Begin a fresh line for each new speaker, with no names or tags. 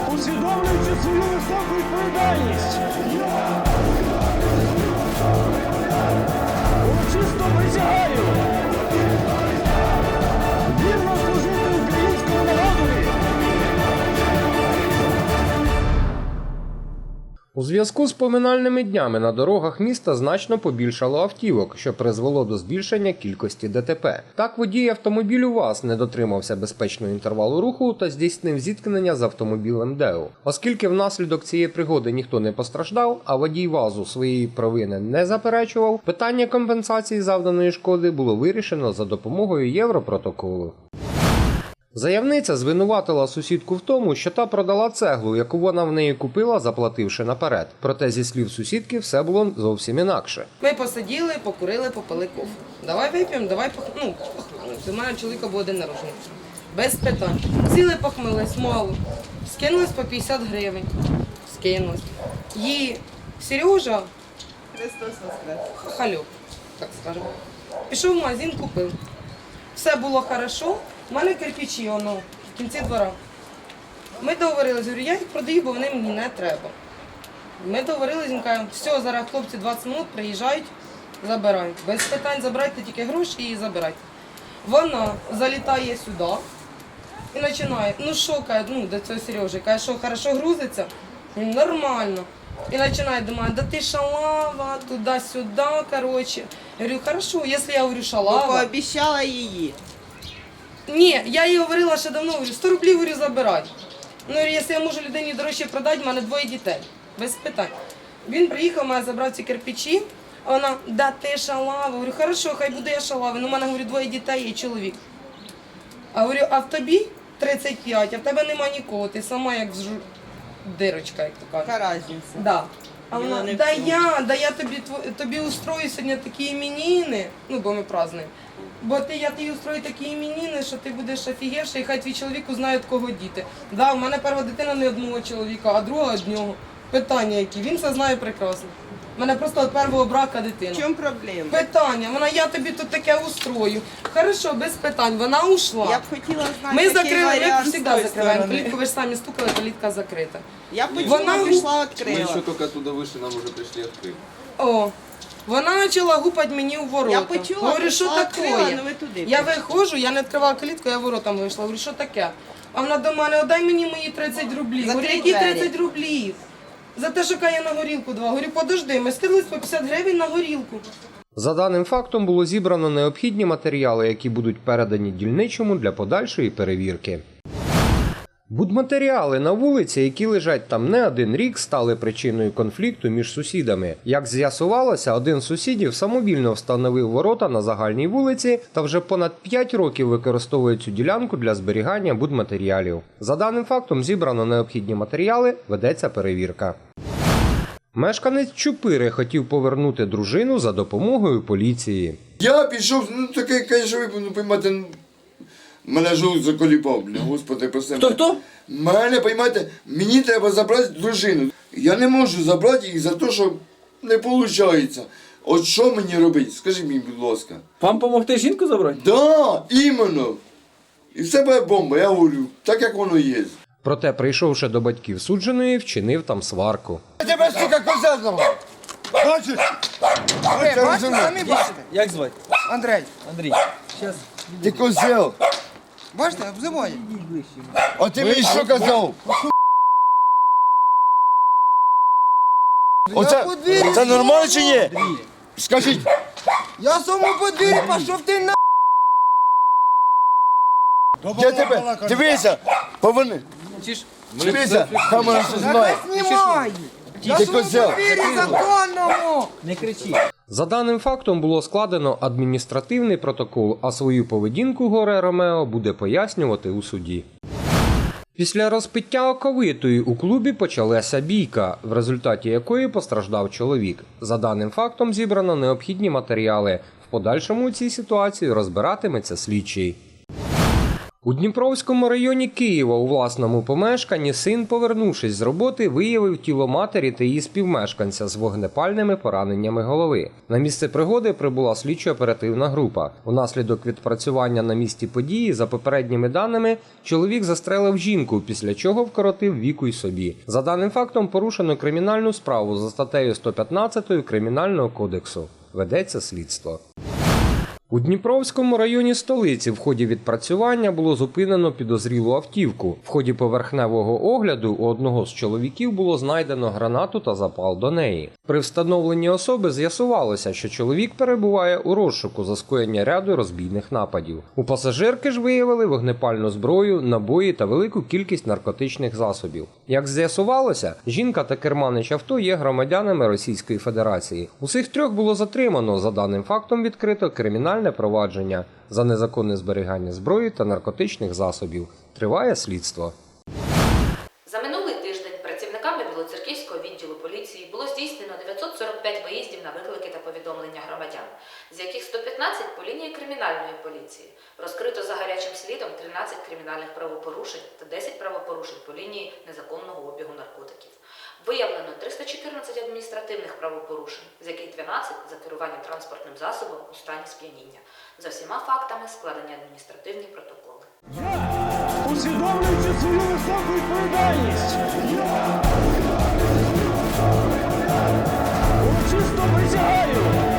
усвідомлюючи свою високу відповідальність. Урочисто присягаю вірно служити українському народові.
У зв'язку з поминальними днями на дорогах міста значно побільшало автівок, що призвело до збільшення кількості ДТП. Так, водій автомобілю ВАЗ не дотримався безпечного інтервалу руху та здійснив зіткнення з автомобілем ДЕУ. Оскільки внаслідок цієї пригоди ніхто не постраждав, а водій ВАЗу своєї провини не заперечував, питання компенсації завданої шкоди було вирішено за допомогою Європротоколу. Заявниця звинуватила сусідку в тому, що та продала цеглу, яку вона в неї купила, заплативши наперед. Проте, зі слів сусідки, все було зовсім інакше.
Ми посиділи, покурили, попили кофе. Давай вип'ємо, давай похмелимося. У мене чоловіка був день народження. Без питань. Сіли, похмелились, мало. Скинулись по 50 гривень. Скинулись. Її Сережа, хахальок, так скажемо, пішов в магазин, купив. Все було хорошо. У мене кирпичі, воно, в кінці двора. Ми договорилися, говорю, я їх продаю, бо вони мені не треба. Ми договорилися, він каже, все, зараз хлопці 20 минут приїжджають, забирають. Без питань забирайте тільки гроші і забирайте. Вона залітає сюди і починає, ну що, каже, до цього Сережі, каже, що, хорошо грузиться? Він, нормально. І починає думати, да ти шалава, туди-сюди, коротше. Я говорю, хорошо, якщо я говорю шалава.
Ну, пообіцяла її.
Ні, я їй говорила ще давно, говорю, 100 рублів, говорю, забирай. Ну, говорю, якщо я можу людині дорожче продати, в мене 2 дітей. Без питань. Він приїхав, мене забрав ці кирпичі, а вона, да ти шалава. Говорю, хорошо, хай буде я шалава. Ну, в мене, говорю, 2 дітей і чоловік. А говорю, а в тобі 35, а в тебе нема нікого, ти сама як дирочка, як то кажуть.
Яка різниця?
Да. А
Діло
вона,
не в
да
цьому.
я тобі устрою сьогодні такі іменини, ну, бо ми празднуємо. Бо я тобі устрою такі іменини, що ти будеш офігевший, і хай твій чоловік узнає, від кого діти. Да, у мене перша дитина не одного чоловіка, а друга одного. Питання які, він це знає прекрасно. У мене просто від першого брака дитина.
В чому проблема?
Питання, вона, я тобі тут таке устрою. Хорошо, без питань, вона ушла.
Я б хотіла знати,
Ми
який
закрили, ми
варіант з
завжди
тої
закриваємо.
сторони.
Калітку ви ж самі стукали, калітка закрита.
Я б
Вона
хотіла, пішла,
Мы
відкрила.
еще только оттуда вышли, нам уже пришли открыть.
О, вона почала гупати мені у ворота.
Я почула,
Говорю, що
пішла,
таке?
відкрила, ну ви туди
Я
пішли.
виходжу, я не відкривала калітку, я воротам вийшла. Говорю, що таке? А вона до мене, отдай мені мої 30 рублів. Говорю,
Закрий
які
двері.
30 рублів? За те, що я на горілку 2. Говорю, подожди, ми скинулись по 50 гривень на горілку.
За даним фактом було зібрано необхідні матеріали, які будуть передані дільничому для подальшої перевірки. Будматеріали на вулиці, які лежать там не один рік, стали причиною конфлікту між сусідами. Як з'ясувалося, один з сусідів самовільно встановив ворота на загальній вулиці та вже понад 5 років використовує цю ділянку для зберігання будматеріалів. За даним фактом зібрано необхідні матеріали, ведеться перевірка. Мешканець Чупири хотів повернути дружину за допомогою поліції.
Я пішов, ну таке, конечно, ви, ну, поймайте, ну, мене жовт заколіпав, бля, господи, прости.
Хто?
Мене, поймайте, мені треба забрати дружину. Я не можу забрати їх за те, що не виходить. От що мені робити? Скажи мені, будь ласка.
Вам допомогти жінку забрати?
Да, іменно. І все буде бомба, я говорю, так як воно є.
Проте, прийшовши до батьків судженої, вчинив там сварку.
Я тебе, сука, коза знав. Бачиш?
Бачите, самі бачите.
Як звати?
Андрей,
Андрій. Зараз.
Ти козел.
бачите, обзиває.
А ти мені що казав? Оце, це нормально чи ні? Скажіть.
Я в своєму подвір'ї пішов ти на...
Я тебе, дивися, поверни. Дивися, камера все знає.
Знімай! Я
Ти
в своєму
козел.
подвір'ї законному!
Не кричи.
За даним фактом було складено адміністративний протокол, а свою поведінку горе Ромео буде пояснювати у суді. Після розпиття оковитої у клубі почалася бійка, в результаті якої постраждав чоловік. За даним фактом зібрано необхідні матеріали. В подальшому у цій ситуації розбиратиметься слідчий. У Дніпровському районі Києва у власному помешканні син, повернувшись з роботи, виявив тіло матері та її співмешканця з вогнепальними пораненнями голови. На місце пригоди прибула слідчо-оперативна група. Унаслідок відпрацювання на місці події, за попередніми даними, чоловік застрелив жінку, після чого вкоротив віку й собі. За даним фактом порушено кримінальну справу за статтею 115 Кримінального кодексу. Ведеться слідство. У Дніпровському районі столиці в ході відпрацювання було зупинено підозрілу автівку. В ході поверхневого огляду у одного з чоловіків було знайдено гранату та запал до неї. При встановленні особи з'ясувалося, що чоловік перебуває у розшуку за скоєння ряду розбійних нападів. У пасажирки ж виявили вогнепальну зброю, набої та велику кількість наркотичних засобів. Як з'ясувалося, жінка та керманич авто є громадянами Російської Федерації. Усіх трьох було затримано, за даним фактом відкрито кримінальне провадження за незаконне зберігання зброї та наркотичних засобів. Триває слідство.
За минулий тиждень працівниками Білоцерківського відділу поліції було здійснено 945 виїздів на виклики та повідомлення громадян, з яких 115 по лінії кримінальної поліції. Розкрито за гарячим слідом 13 кримінальних правопорушень та 10 правопорушень по лінії незаконного обігу наркотиків. Виявлено 314 адміністративних правопорушень, з яких 12 за керування транспортним засобом у стані сп'яніння. За всіма фактами складені адміністративні протоколи.
Усвідомлюючи свою високу відповідальність, я урочисто присягаю